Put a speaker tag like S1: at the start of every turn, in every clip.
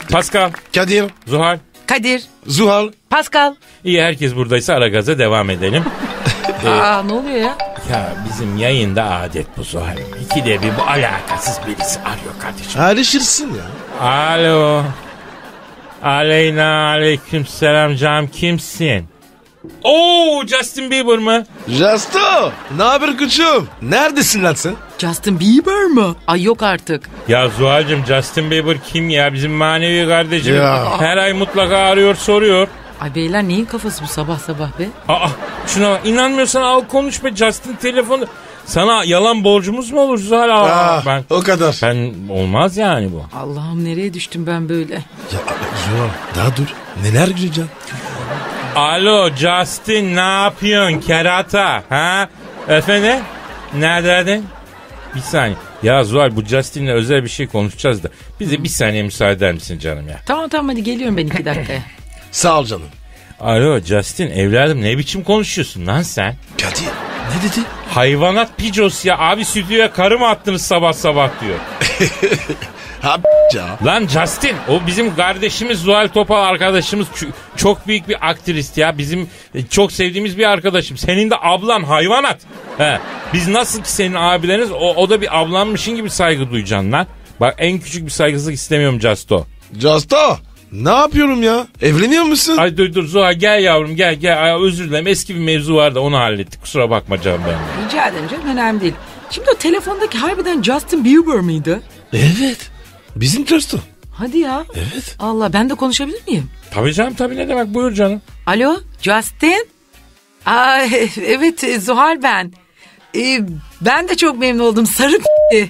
S1: Pascal.
S2: Kadir.
S1: Zuhal.
S3: Kadir.
S2: Zuhal.
S3: Pascal.
S1: İyi, herkes buradaysa Aragaz'a devam edelim.
S3: Ne oluyor ya?
S1: Ya bizim yayında adet bu Zuhal. İkide bir bu alakasız birisi arıyor kardeşim.
S2: Arışırsın ya.
S1: Alo. Aleyna aleyküm selam canım, kimsin? Oo, Justin Bieber mı?
S2: Justo. Ne haber koçum? Neredesin lan sen?
S3: Justin Bieber mı? Ay yok artık.
S1: Ya Zuhal'cığım, Justin Bieber kim ya? Bizim manevi kardeşim.
S2: Ya.
S1: Her ay mutlaka arıyor, soruyor.
S3: Ay beyler neyin kafası bu sabah sabah be?
S1: Şuna bak, inanmıyorsan al konuş be, Justin telefonu. Sana yalan borcumuz mu olur Zuhal?
S2: O kadar.
S1: Ben olmaz yani bu.
S3: Allah'ım nereye düştüm ben böyle?
S2: Ya Zuhal daha dur. Neler göreceğim?
S1: Alo Justin, ne yapıyorsun kerata? Ha? Efendim? Neredeydin? Bir saniye. Ya Zuhal, bu Justin'le özel bir şey konuşacağız da. Bize bir saniye müsaade eder misin canım ya?
S3: Tamam hadi geliyorum ben 2 dakikaya.
S2: Sağ ol canım.
S1: Alo Justin, evladım ne biçim konuşuyorsun lan sen?
S2: Kadir ne dedi?
S1: Hayvanat picos ya. Abi stüdyoya karı mı attınız sabah sabah diyor.
S2: Ya.
S1: Lan Justin, o bizim kardeşimiz Zuhal Topal arkadaşımız, çok büyük bir aktrist ya. Bizim çok sevdiğimiz bir arkadaşım. Senin de ablan hayvanat. He. Biz nasıl ki senin abileriniz, o da bir ablanmışın gibi saygı duyacaksın lan. Bak, en küçük bir saygısızlık istemiyorum Justo.
S2: Justo. Ne yapıyorum ya? Evleniyor musun?
S1: Ay dur Zuhal, gel yavrum gel. Ay, özür dilerim, eski bir mevzu vardı, onu hallettik. Kusura bakma canım ben.
S3: Rica ederim canım, önemli değil. Şimdi o telefondaki harbiden Justin Bieber mıydı?
S2: Evet. Bizim Justo.
S3: Hadi ya.
S2: Evet.
S3: Allah, ben de konuşabilir miyim?
S1: Tabii canım, tabii, ne demek, buyur canım.
S3: Alo Justin? Evet Zuhal ben. Ben de çok memnun oldum, sarı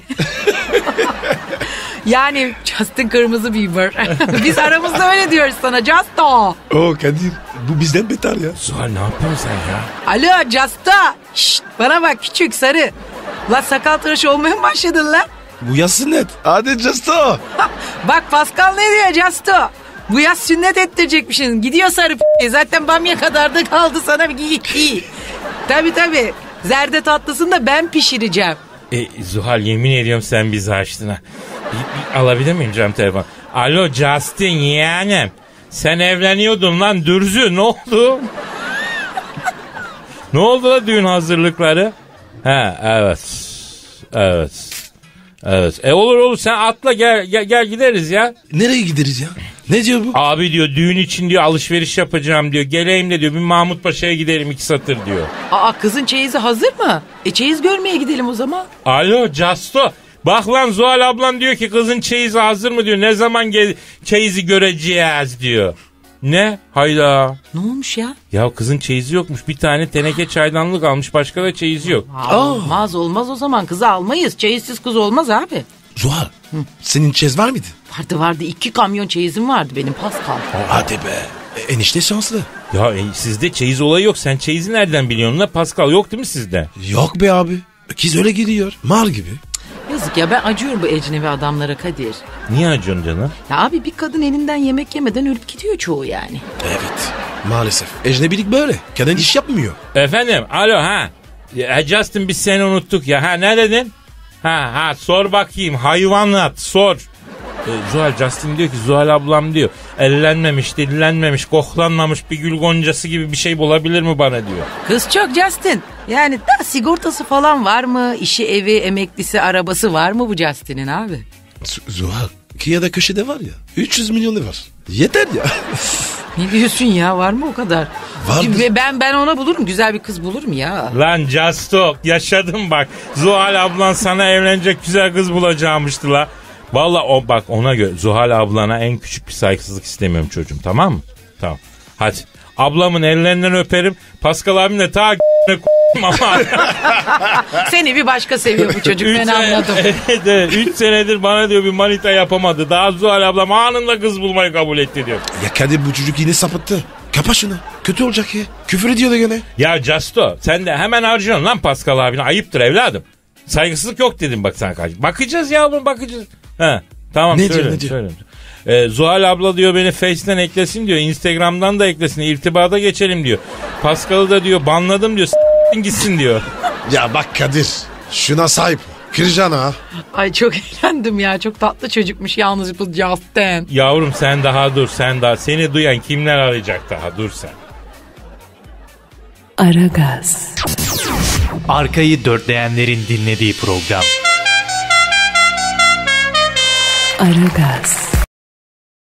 S3: Yani Justin Kırmızı Bieber. Biz aramızda öyle diyoruz sana, Justo.
S2: O Kadir, bu bizden beter ya.
S1: Zuhal, ne yapıyorsun sen ya?
S3: Alo Justo. Şşt, bana bak küçük sarı. La sakal tıraşı olmaya mı başladın lan?
S2: Bu yaz sünnet. Hadi Justo.
S3: Bak Pascal ne diyor Justo? Bu yaz sünnet ettirecekmişsin. Gidiyor sarı zaten bamya kadar da kaldı sana bir giy. Tabii. Zerde tatlısını da ben pişireceğim.
S1: Zuhal, yemin ediyorum sen bizi açtın ha. Bir alabilir miyim canım telefon? Alo Justin yeğenim. Sen evleniyordun lan dürzü, ne oldu? Ne oldu la düğün hazırlıkları? Evet. Olur sen atla gel gideriz ya.
S2: Nereye gideriz ya? Ne diyor bu?
S1: Abi diyor, düğün için diyor alışveriş yapacağım diyor. Geleyim de diyor, bir Mahmut Paşa'ya gidelim 2 satır diyor.
S3: Kızın çeyizi hazır mı? Çeyiz görmeye gidelim o zaman.
S1: Alo Justo. Bak lan, Zuhal ablan diyor ki kızın çeyizi hazır mı diyor. Ne zaman çeyizi göreceğiz diyor. Ne? Hayda.
S3: Ne olmuş ya?
S1: Ya kızın çeyizi yokmuş. Bir tane teneke çaydanlık almış. Başka da çeyizi yok.
S3: Olmaz o zaman. Kızı almayız. Çeyizsiz kız olmaz abi.
S2: Zuhal, senin çeyiz var mıydı?
S3: Vardı. 2 kamyon çeyizim vardı benim Pascal.
S2: Hadi be. Enişte şanslı.
S1: Ya sizde çeyiz olayı yok. Sen çeyizi nereden biliyorsun la Pascal? Yok değil mi sizde?
S2: Yok be abi. Kız öyle geliyor. Mar gibi.
S3: Yazık ya, ben acıyorum bu ecnebi adamlara Kadir.
S1: Niye acıyorsun canım?
S3: Ya abi, bir kadın elinden yemek yemeden ölüp gidiyor çoğu yani.
S2: Evet. Maalesef. Ecnebilik böyle. Kadın iş yapmıyor.
S1: Efendim, alo ha. Justin, biz seni unuttuk ya. Ne dedin? Sor bakayım, hayvanat sor. Zuhal, Justin diyor ki Zuhal ablam diyor ellenmemiş, dillenmemiş, koklanmamış bir gül goncası gibi bir şey bulabilir mi bana diyor.
S3: Kız çok Justin. Yani da sigortası falan var mı? İşi, evi, emeklisi, arabası var mı bu Justin'in abi?
S2: Zuhal, Kia'da köşede var ya 300 milyonu var. Yeter ya.
S3: Ne diyorsun ya, var mı o kadar?
S2: Vardır.
S3: Ben ona bulurum, güzel bir kız bulurum ya.
S1: Lan Justo, yaşadım bak. Zuhal ablan sana evlenecek güzel kız bulacağımıştı la. Valla bak, ona göre Zuhal ablana en küçük bir saygısızlık istemiyorum çocuğum, tamam mı? Tamam. Hadi. Ablamın ellerinden öperim. Pascal abim de ta ama.
S3: Seni bir başka seviyor bu çocuk, ben anladım.
S1: Evet. 3 senedir bana diyor bir manita yapamadı. Daha Zuhal ablam anında kız bulmayı kabul etti diyor.
S2: Ya Kadir, bu çocuk yine sapıttı. Kapa şunu. Kötü olacak ya. Küfür ediyor da gene.
S1: Ya Justo, sen de hemen harcıyorsun lan Pascal abine. Ayıptır evladım. Saygısızlık yok dedim bak sana karşı. Bakacağız yavrum, bakacağız. Tamam,
S2: ne
S1: söyle. Zuhal abla diyor beni Face'den eklesin diyor. Instagram'dan da eklesin. İrtibata geçelim diyor. Pascal'ı da diyor banladım diyor. Gitsin diyor.
S2: Ya bak Kadir, şuna sahip. Kıracaksın ha.
S3: Ay çok eğlendim ya. Çok tatlı çocukmuş yalnız bu Justin.
S1: Yavrum sen daha dur sen daha. Seni duyan kimler arayacak daha dur sen.
S3: Aragaz.
S4: Arkayı dörtleyenlerin dinlediği program.
S3: Aragaz.